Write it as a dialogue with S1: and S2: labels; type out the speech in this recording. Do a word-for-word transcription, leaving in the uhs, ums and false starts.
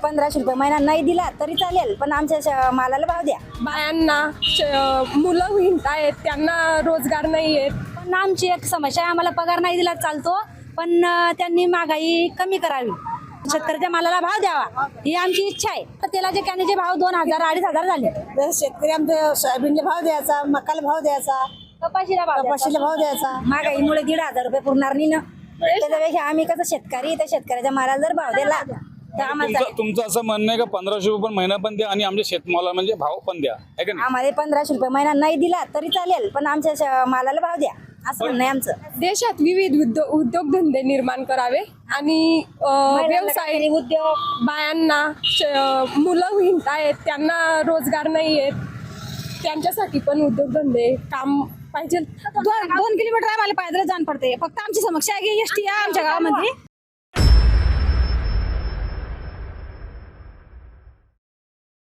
S1: पंधराशे रुपये महिना नाही दिला तरी चालेल, पण आमच्या मालाला भाव द्या.
S2: बायांना मुलं हिंडतायत, त्यांना रोजगार नाही आहेत.
S1: पण आमची एक समस्या आहे, आम्हाला पगार नाही दिला चालतो, पण त्यांनी महागाई कमी करावी, शेतकऱ्याच्या मालाला भाव द्यावा ही आमची इच्छा आहे. तेलाचे कॅनेचे भाव दोन हजार अडीच हजार झाले.
S3: शेतकरी आमच्या सोयाबीनला भाव द्यायचा, मकाला भाव द्यायचा,
S1: कपाशीला भाव
S3: कपाशीला भाव द्यायचा.
S1: महागाईमुळे दीड हजार रुपये पुरणार नाही ना. त्याच्यापेक्षा आम्ही कसं शेतकरी त्या शेतकऱ्याच्या मालाला जर भाव दिला तर आम्हाला
S4: तुमचं तुमचं असं म्हणणं आहे का पंधराशे रुपये पण महिना पण द्या आणि आमच्या शेतमाला म्हणजे भाव पण द्या, आहे का नाही?
S1: आम्हाला पंधराशे रुपये महिना नाही दिला तरी चालेल, पण आमच्या मालाला भाव द्या असं म्हणणं आहे आमचं.
S2: देशात विविध उद्योग उद्योगधंदे निर्माण करावे आणि अं, व्यवसाय
S1: उद्योग
S2: बायांना श- मुलं हिंडतायत, त्यांना रोजगार नाही आहेत, त्यांच्यासाठी पण उद्योगधंदे काम पाहिजे.
S1: दोन दोन किलोमीटर आम्हाला पायदळ जाण पडते. फक्त आमची समस्या आहे की एसटी आमच्या गावामध्ये